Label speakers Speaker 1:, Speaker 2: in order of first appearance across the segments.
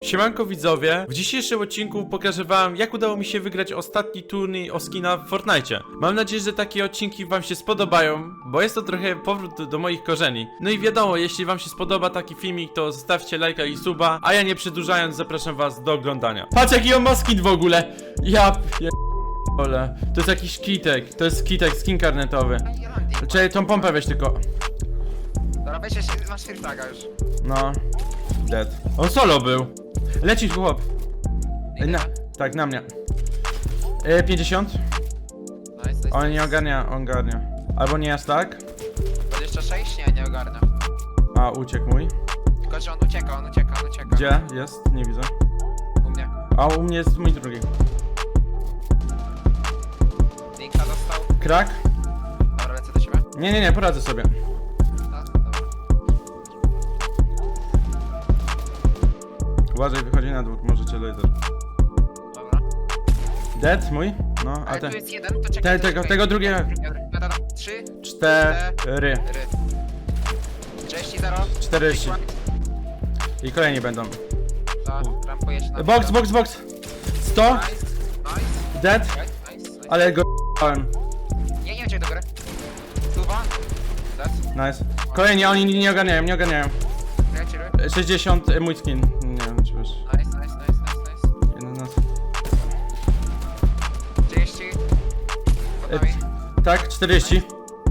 Speaker 1: Siemanko widzowie, w dzisiejszym odcinku pokażę wam, jak udało mi się wygrać ostatni turniej o skina w Fortnite. Mam nadzieję, że takie odcinki wam się spodobają, bo jest to trochę powrót do moich korzeni. No i wiadomo, jeśli wam się spodoba taki filmik, to zostawcie lajka i suba, a ja nie przedłużając zapraszam was do oglądania. Patrz jaki on ma skin w ogóle! Ole, to jest jakiś kitek, to jest kitek, skin karnetowy. Czekaj, tą pompę weź tylko.
Speaker 2: Dobra, weź masz free flaga już.
Speaker 1: No. Dead. On solo był. Lecisz chłop.
Speaker 2: Idę.
Speaker 1: Tak, na mnie. 50.
Speaker 2: Nice.
Speaker 1: On nie ogarnia, on ogarnia. Albo nie aż tak.
Speaker 2: 26? Nie ogarnia.
Speaker 1: A, uciekł mój.
Speaker 2: Tylko, że on ucieka.
Speaker 1: Gdzie? Jest? Nie widzę.
Speaker 2: U mnie.
Speaker 1: A u mnie jest mój drugi.
Speaker 2: Linka dostał.
Speaker 1: Krak?
Speaker 2: Dobra, lecę do siebie.
Speaker 1: Nie, poradzę sobie.
Speaker 2: Tak, dobra.
Speaker 1: Uważaj, wychodzi na dwór, możecie laser.
Speaker 2: Dobra.
Speaker 1: Dead mój? No, a
Speaker 2: Ale
Speaker 1: ten.
Speaker 2: tu jest jeden, to czekaj.
Speaker 1: Tego drugiego.
Speaker 2: Dobra, 3,
Speaker 1: 4.
Speaker 2: 30, 0.
Speaker 1: 40. I kolejni będą.
Speaker 2: Tak, rampuję się na
Speaker 1: Box. 100.
Speaker 2: Nice.
Speaker 1: Dead.
Speaker 2: Nice.
Speaker 1: Ale go dałem.
Speaker 2: Nie uciekaj do góry. Tuwa. Dead.
Speaker 1: Nice. Kolejni, oni nie ogarniają.
Speaker 2: Chilluj.
Speaker 1: 60 mój skin. Nie wiem, czy wiesz.
Speaker 2: Nice.
Speaker 1: 11.
Speaker 2: 30. Pod nami.
Speaker 1: Tak, 40.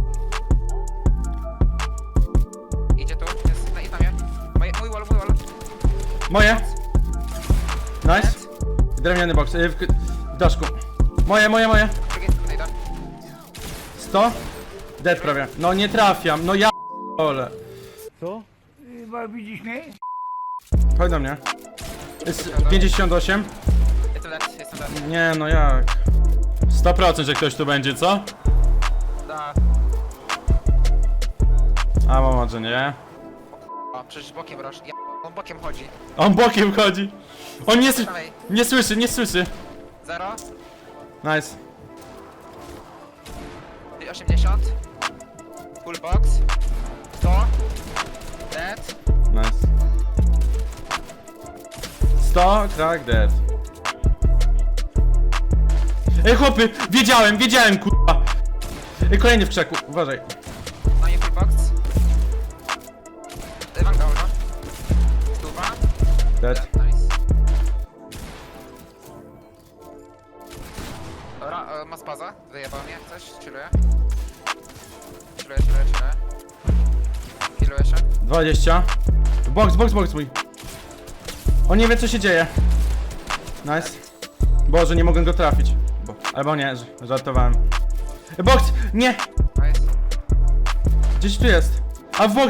Speaker 2: Idzie tu, jest na itamie. Mój wall.
Speaker 1: Moje. Nice. Drewniany box. W daszku. Moje.
Speaker 2: Drugiej strony idę.
Speaker 1: 100. Dead prawie. No nie trafiam. No ja ole.
Speaker 3: Co? Widzisz mnie?
Speaker 1: Chodź do mnie. Jest 58.
Speaker 2: Jestem dead.
Speaker 1: Nie no jak. 100% że ktoś tu będzie, co?
Speaker 2: Da.
Speaker 1: A może nie.
Speaker 2: O, przecież bokiem roż. On bokiem chodzi.
Speaker 1: On bokiem chodzi. On
Speaker 2: Prawej.
Speaker 1: nie słyszy.
Speaker 2: 0.
Speaker 1: Nice.
Speaker 2: 80. Full box. 100. Dead.
Speaker 1: Nice. 100, crack, dead. Ej chłopy, wiedziałem kurwa. Ej, kolejny w krzaku, uważaj.
Speaker 2: No i full box. Wanga uno. Stuwa.
Speaker 1: Dead.
Speaker 2: Nice. Dobra, ma spaza. Wyjebał mnie jak coś. Chilluję. Killuję się.
Speaker 1: 20. Box mój. On nie wie co się dzieje. Nice. Boże, nie mogę go trafić. Albo nie, żartowałem. Box! Nie!
Speaker 2: Nice.
Speaker 1: Gdzieś tu jest. A w box.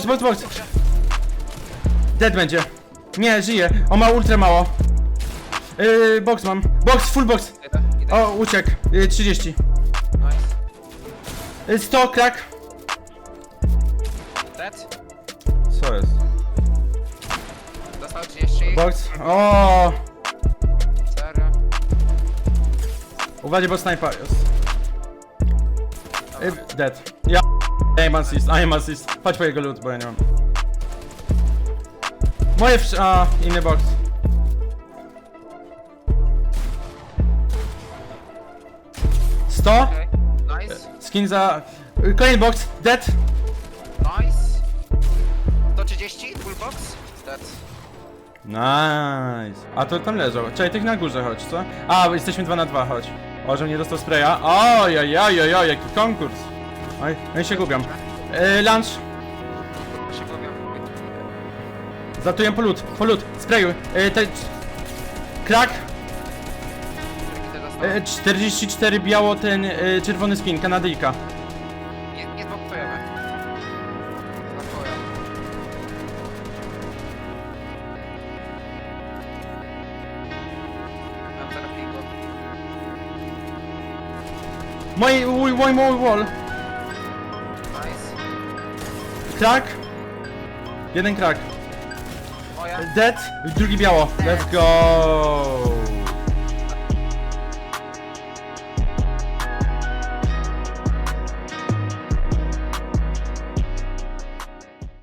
Speaker 1: Dead będzie. Nie, żyje. On ma ultra mało. Box mam. Full box.
Speaker 2: Idę.
Speaker 1: O, uciekł. 30.
Speaker 2: Nice.
Speaker 1: 100, crack.
Speaker 2: Dead.
Speaker 1: Co jest?
Speaker 2: Dostał 30.
Speaker 1: Box. O!
Speaker 2: Serio.
Speaker 1: Uważaj, bo snajpa jest. Dead. Ja. I'm assist. Chodź po jego loot, bo ja nie mam. Moje inny box.
Speaker 2: Okay. Nice.
Speaker 1: Skin za... Kolejny box. Dead.
Speaker 2: Nice. 130. Full box. Dead.
Speaker 1: Nice. A to tam leżał. Czekaj, tych na górze chodź, co? A, jesteśmy 2 na 2, chodź. O, żebym nie dostał spraya. Oj, jaki konkurs. Oj, no i się gubią. Lunch.
Speaker 2: Się gubią.
Speaker 1: Zatuję po loot. Sprayuj. Crack.
Speaker 2: Kiedy dostał?
Speaker 1: 44 biało, ten czerwony skin, Kanadyjka.
Speaker 2: Nie zbokujemy. Blokuję. Mam zaraz pingu.
Speaker 1: Mój wall.
Speaker 2: Nice.
Speaker 1: Crack. Jeden crack.
Speaker 2: Moja.
Speaker 1: Dead. Drugi biało. Let's go.